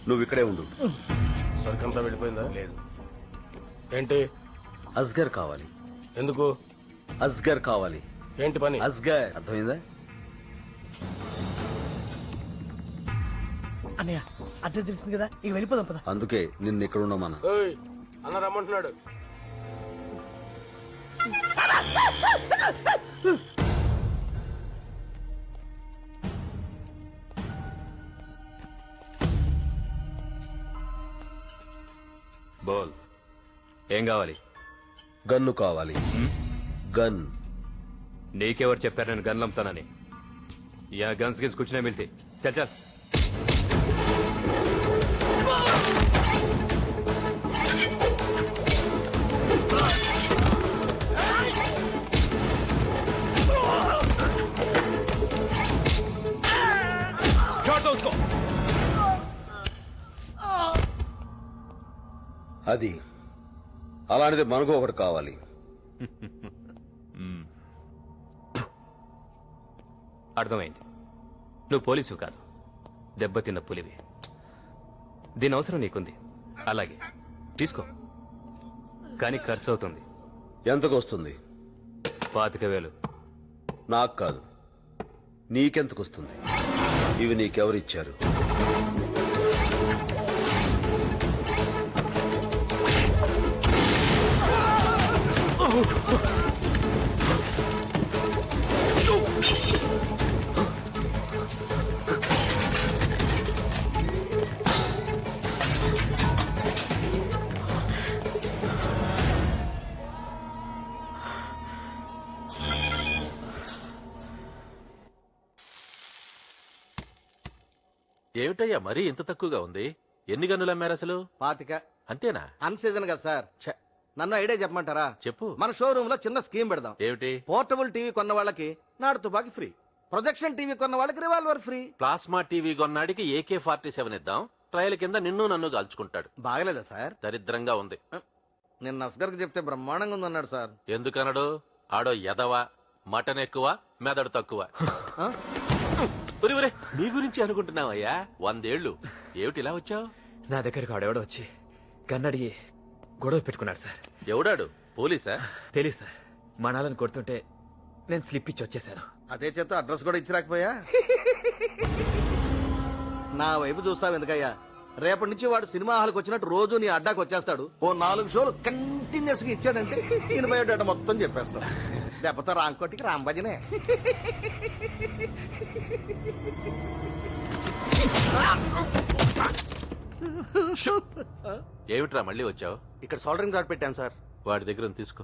నువ్వు ఇక్కడే ఉండు. సరికంతా వెళ్ళిపోయిందా? లేదు, ఏంటి? అస్గర్ కావాలి. ఎందుకు? అస్గర్ కావాలి. ఏంటి పని? అస్గర్, అర్థమైందా? అన్నయ్య అడ్రస్ తెలిసింది కదా, ఇక వెళ్ళిపోదాం పద. అందుకే నిన్ను ఇక్కడ ఉండమన్నా. ఏయ్, అన్న రమ్మంటున్నాడు. బోల్, ఏం కావాలి? గన్ను కావాలి. గన్. నీకెవరు చెప్పారు నేను గన్లు అమ్ముతానని? యా గన్స్ గిన్స్ కుछ नहीं मिलती. चल चल. छोड़ दो उसको. అది అలాంటిది మనకు ఒకటి కావాలి. అర్థమైంది. నువ్వు పోలీసు కాదు, దెబ్బతిన్న పులివి. దీని అవసరం నీకుంది, అలాగే తీసుకో. కానీ ఖర్చు అవుతుంది. ఎంతకు వస్తుంది? 25,000. నాకు కాదు, నీకెంతకు వస్తుంది? ఇవి నీకెవరిచ్చారు? ఏమిటయ్యా మరీ ఇంత తక్కువగా ఉంది? ఎన్ని గన్నులు అమ్మారు అసలు? 25. అంతేనా? అన్ సీజన్ కదా సార్. ఛ, నన్ను ఐడియా చెప్పమంటారా? చెప్పు. మన షోరూమ్ లో చిన్న స్కీమ్ పెడదాం. ఏమిటి? పోర్టబుల్ టీవీ కొన్న వాళ్ళకి నాడు తుపాకి ఫ్రీ, ప్రొజెక్షన్ టీవీ కొన్న వాళ్ళకి రివాల్వర్ ఫ్రీ. ప్లాస్మా టీవీ కొన్నాడికి AK-47 ఇద్దాం. ట్రయల్ కింద నిన్ను నన్ను కాల్చుకుంటాడు. బాగలేదా సార్? దరిద్రంగా ఉంది. నిన్న అస్గర్ కి చెప్తే బ్రహ్మాండంగా ఉందన్నాడు సార్. ఎందుకనడు? ఆడో ఎదవ, మటన్ ఎక్కువ, మెదడు తక్కువ. ఆ? ఒరే ఒరే, నీ గురించి అనుకుంటున్నావయ్యా. 100 ఏళ్లు ఏమిటి ఇలా వచ్చావు? నా దగ్గరకు ఆడెవడో వచ్చి గన్నడిగి గొడవ పెట్టుకున్నాడు సార్. ఎవడాడు? పోలీసా? తెలీదు సార్. మనాలను కొడుతుంటే నేను స్లిప్ ఇచ్చి వచ్చేసాను. అదే చేత అడ్రస్ కూడా ఇచ్చిరాకపోయా? నా వైపు చూస్తావు ఎందుకయ్యా? రేపటి నుంచి వాడు సినిమా హాల్కి వచ్చినట్టు రోజు నీ అడ్డాకి వచ్చేస్తాడు. ఓ 4 షోలు కంటిన్యూస్ గా ఇచ్చాడంటే ఈయన బయోడేటా మొత్తం చెప్పేస్తాడు. దెబ్బతో రాంకోటికి రాంబజనే. ఏమిట్రా మళ్ళీ వచ్చావు? ఇక్కడ సోల్డరింగ్ రాడ్ పెట్టాను సార్. వాడి దగ్గర ఉంది, తీసుకో.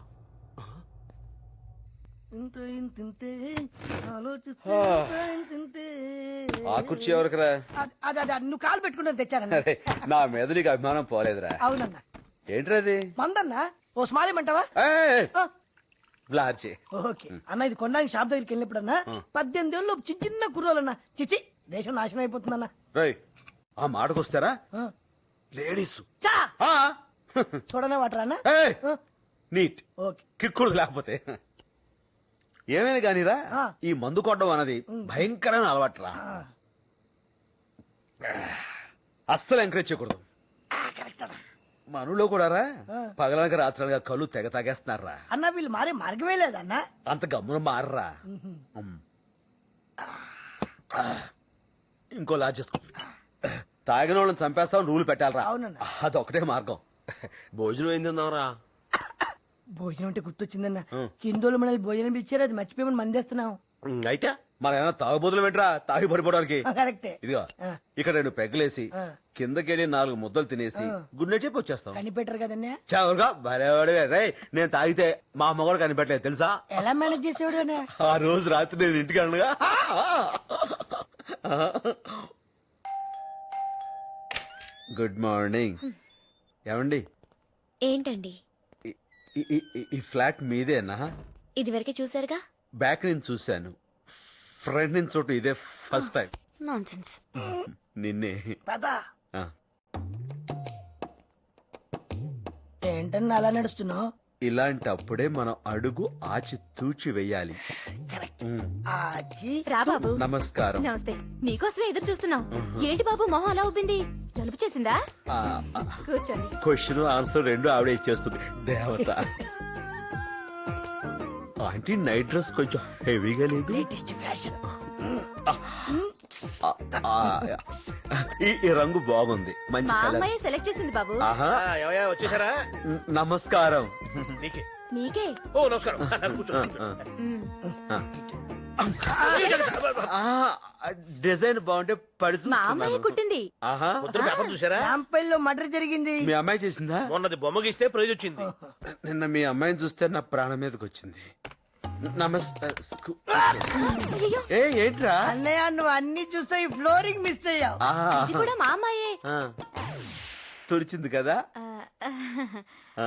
ఆ కుర్చీ ఎవరికరా? నువ్వు కాలు పెట్టుకుంటే తెచ్చానన్న. అరే, నా మీద నీకు అభిమానం పోలేదురా. అవునన్నా. ఏంట్రా అది? మందన్నా ఓ స్మాల్ ఇమ్మంటావా? ఏయ్, బ్లార్చి. ఓకే అన్న, ఇది కొనడానికి షాప్ దగ్గరికి వెళ్ళినప్పుడన్నా 18 ఏళ్ళు చిన్న చిన్న కుర్రోలన్నా. చిచి, దేశం నాశనం అయిపోతుందన్నా. రేయ్, ఆ మాటకొస్తారా లేడీస్ చా చూడనే వాటరా అన్న. నీట్ ఓకే కిక్కుడు లేకపోతే ఏమైనా కానీరా. ఈ మందు కొట్టడం అన్నది భయంకరమైన అలవాటురా. అస్సలు ఎంకరేజ్ చేయకూడదు. మనలో కూడా రా పగలనక రాత్రలుగా కళ్ళు తెగ తాగేస్తున్నారా అన్న. వీళ్ళు మారే మార్గమే లేదన్నా. అంత గమ్మున మారరా. ఇంకో లాజ్ చేసుకో. తాగిన వాళ్ళని చంపేస్తామని రూల్ పెట్టాలరా. అవునన్నా. అదొకటే మార్గం. భోజనం ఏం తిందాంరా? భోజనం అంటే గుర్తొచ్చిందన్న. కిందోళ్ళు మనల్ని భోజనం ఇచ్చారు, అది మర్చిపోయి మందేస్తున్నాం. అయితే మన ఏమైనా తాగుబోతులు పెట్టరా తాగి పడిపోవడానికి? కరెక్టే. ఇదిగో ఇక్కడ 2 పెగ్గలేసి కిందకెళ్ళి 4 ముద్దలు తినేసి గుడ్డే చెప్పి వచ్చేస్తాం. కనిపెట్టరు కదన్నా. చవరుగా భలేవాడివే. రే, నేను తాగితే మా అమ్మ కూడా కనిపెట్టలేదు తెలుసా? ఎలా మేనేజ్ చేసేవాడు? ఆ రోజు రాత్రి నేను ఇంటికి అనగా గుడ్ మార్నింగ్. ఏమండి? ఏంటండి? ఈ ఫ్లాట్ మీదేనా? ఇది వరకే చూసారుగా. బ్యాక్ నుంచి చూశాను, ఫ్రంట్ నుంచి చోటు ఇదే ఫస్ట్ టైం. నాన్సెన్స్. నిన్నే. ఏంటన్నా అలా నడుస్తున్నావు? ఇలాంటప్పుడే మనం అడుగు ఆచి తూచి వెయ్యాలి. కరెక్ట్. ఆచి రా బాబు. నమస్కారం. నమస్తే. నీకోసమే ఎదురు చూస్తున్నాం. ఏంటి బాబు మొహం అలా ఉబ్బింది? జలుబు చేసిందా? కూర్చోండి. క్వశ్చన్ ఆన్సర్ రెండు ఆవిడ ఇచ్చేస్తుంది దేవత. ఆంటీ నైట్ డ్రెస్ కొంచెం హెవీగా లేదు. Latest fashion. ఈ రంగు బాగుంది, మంచి మా కలర్. అమ్మాయి సెలెక్ట్ చేసింది బాబు. ఆహా, ఏమయ్యా వచ్చేసారా? నమస్కారం. నీకే. నీకే. ఓ నమస్కారం. కూర్చో. డిజైన్ బాగుంటే పడి మా అమ్మాయి చూస్తున్నాను. కుట్టింది. ఆహా, పొద్దున పేపర్ చూసారా? రాంపల్లిలో మర్డర్ జరిగింది. మీ అమ్మాయి చేసిందా? మొన్నది బొమ్మ గీస్తే ప్రైజ్ వచ్చింది. నిన్న మీ అమ్మాయిని చూస్తే నా ప్రాణం మీదకి వచ్చింది. నమస్తే. ఏ ఏంట్రా? అన్నయ్య నువ్వు అన్ని చూసా ఈ ఫ్లోరింగ్ మిస్ అయ్యావు. ఆ, ఇది కూడా మా అమ్మాయే. ఆ. తుడిచింది కదా. ఆ, ఆ.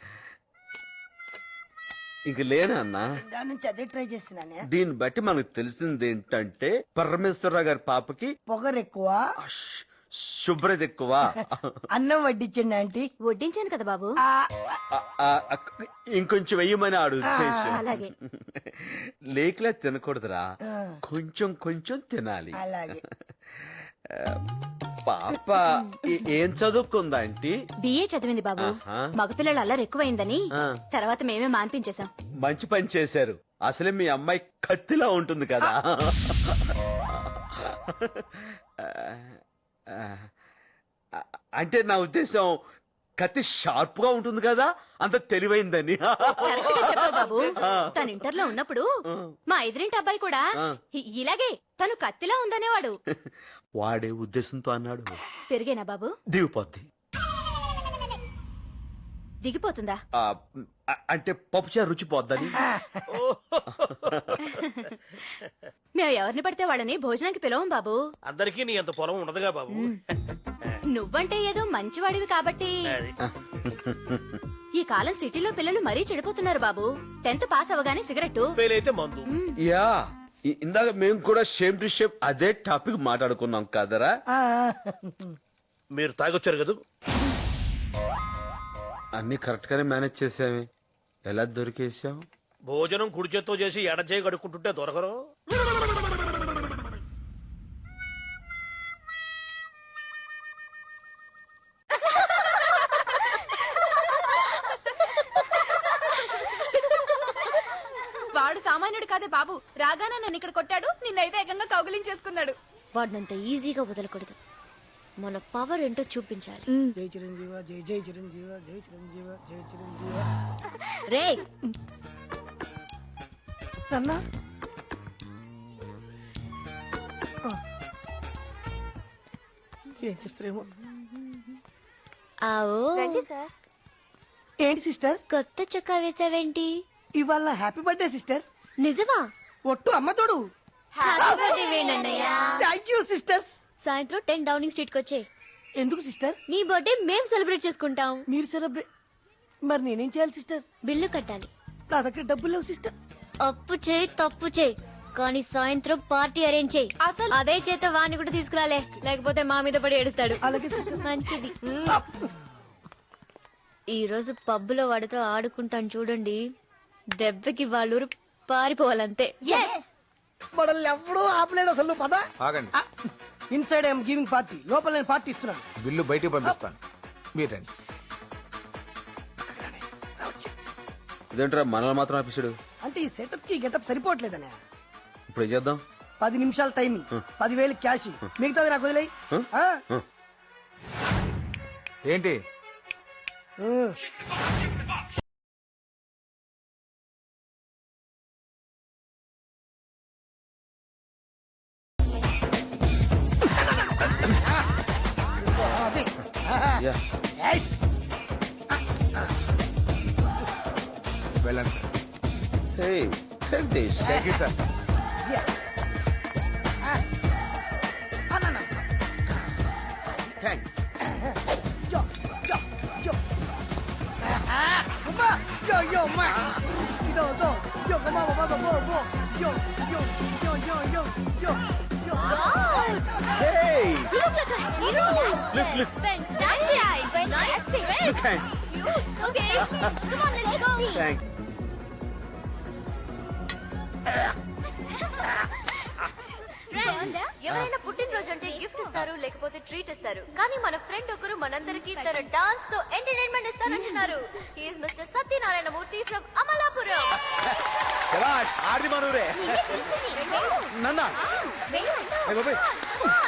ఇంక లేనా అన్నా? దాని నుంచి అదే ట్రై చేస్తున్నానే. దీన్ని బట్టి మనకు తెలిసింది ఏంటంటే పరమేశ్వరరావు గారి పాపకి పొగరు ఎక్కువ, శుభ్రత ఎక్కువ. అన్నం వడ్డించండి ఆంటీ. వడ్డించాను కదా బాబు. ఆ, ఆ, ఆ, ఇంకొంచెం వెయ్యమని ఆడు ఉద్దేశం. అలాగే. లేకలే తినకూడదురా, కొంచెం కొంచెం తినాలి. అలాగే. పాప ఏం చదువుకుందా ఆంటీ? బిఏ చదివింది బాబు. ఆహా. మగపిల్లలు అల్లరి ఎక్కువైందని ఆ. తర్వాత మేమే మాన్పించేశాం. మంచి పని చేశారు. అసలే మీ అమ్మాయి కత్తిలా ఉంటుంది కదా. అంటే నా ఉద్దేశం కత్తి షార్ప్ గా ఉంటుంది కదా, అంత తెలివైందని. కరెక్ట్ గా చెప్పావు బాబు. తను ఇంటర్ లో ఉన్నప్పుడు మా ఎదురింటి అబ్బాయి కూడా ఇలాగే తను కత్తిలా ఉందనేవాడు. వాడే ఉద్దేశంతో అన్నాడు. పెరిగేనా బాబు? దిగిపోద్ది. దిగిపోతుందా? అంటే పప్పుచారు రుచి పోద్దని. మేము ఎవరిని పడితే వాళ్ళని భోజనానికి పిలవం బాబు. అందరికీ నీ అంత పొలం ఉండదుగా బాబు. నువ్వంటే ఏదో మంచివాడివి కాబట్టి. ఈ కాలం సిటీలో పిల్లలు మరీ చెడిపోతున్నారు బాబు. 10th పాస్ అవగానే సిగరెట్. ఫెయిల్ అయితే మందు. యా, ఇందాక మేము కూడా షేమ్ టు షేమ్ అదే టాపిక్ మాట్లాడుకున్నాం కదరా. ఆ, మీరు తాగొచ్చారు కదా. అన్ని కరెక్ట్ గానే మేనేజ్ చేసామే. ఎలా దొరికేసాం? భోజనం కుడి చేత్తో చేసి ఎడ చేయి కడుక్కుంటుంటే దొరకరు. వాడు సామాన్యుడు కాదే బాబు. రాగానే నన్ను ఇక్కడ కొట్టాడు. నిన్నైతే ఏకంగా కౌగులించేసుకున్నాడు. వాడినంత ఈజీగా వదలకూడదు. మన పవర్ ఏంటో చూపించాలి. జై చిరంజీవ, జై జై చిరంజీవ, జై చిరంజీవ, జై చిరంజీవ. రే అన్నా ఏం చేస్తారేమో. ఆవో. ఏంటి సిస్టర్, కొత్త చొక్కా వేసావేంటి? ఇవాళ హ్యాపీ బర్త్డే సిస్టర్. నిజమా? ఒట్టు అమ్మ తోడు. హ్యాపీ బర్త్డే వేణన్నయ్య. Thank you sisters. సాయంత్రం 10 డౌనింగ్ స్ట్రీట్ కి వచ్చే. ఎందుకు సిస్టర్? నీ బర్త్డే మేం సెలబ్రేట్ చేసుకుంటాం. మీరు సెలబ్రేట్, మరి నేనేం చేయాలి సిస్టర్? బిల్లు కట్టాలి. నా దగ్గర డబ్బులు లేవు సిస్టర్. అప్పు చేయి తప్పు చేయి, కానీ సాయంత్రం పార్టీ అరేంజ్ చేయి. అసలు అదే చేత వాణ్ణి కూడా తీసుకురాలే, లేకపోతే మా మీద పడి ఏడుస్తాడు. అలాగే సిస్టర్. మంచిది. ఈ రోజు పబ్బులో వాడితో ఆడుకుంటాను చూడండి. దెబ్బకి వాళ్ళూరు పారిపోవాలంతే. మనల్ని ఎప్పుడూ ఆపలేడు అసలు. నువ్వు పద. ఆగండి. ఇన్సైడ్ ఐఎమ్ గివింగ్ పార్టీ, లోపల నేను పార్టీ ఇస్తున్నాను. బిల్లు బయటికి పంపిస్తాను, మీరు రండి. ఇదేంట్రా మనల్ని మాత్రం ఆఫీసుడు? అంటే ఈ సెటప్ కి గెటప్ సరిపోవట్లేదనే. ఇప్పుడు ఏం చేద్దాం? 10 నిమిషాలు టైం, 10,000 క్యాష్, మిగతాది నాకు వదిలేయి. ఏంటి? Yeah. వెళ్ళండి sir. Hey, take this. Thank you sir. Thanks. Yo, yo, yo. Mamá, yo, yo, ma. Yo, yo, yo, mamá, mamá, mamá, mamá. Yo, yo, yo, yo, yo, yo, yo. Hey, You look like a hero. look. Fantastic. Nice dress. Look, thanks. Okay, come on, let's go. Thanks. ఎవరైనా పుట్టినరోజు అంటే gift ఇస్తారు లేకపోతే treat ఇస్తారు కానీ మన friend ఒకరు మనందరికి తన డాన్స్ తో ఎంటర్టైన్మెంట్ ఇస్తానంటున్నారు he is mister Satyanarayana Murthy from Amalapuram ఆడిది మనూరే నన్నా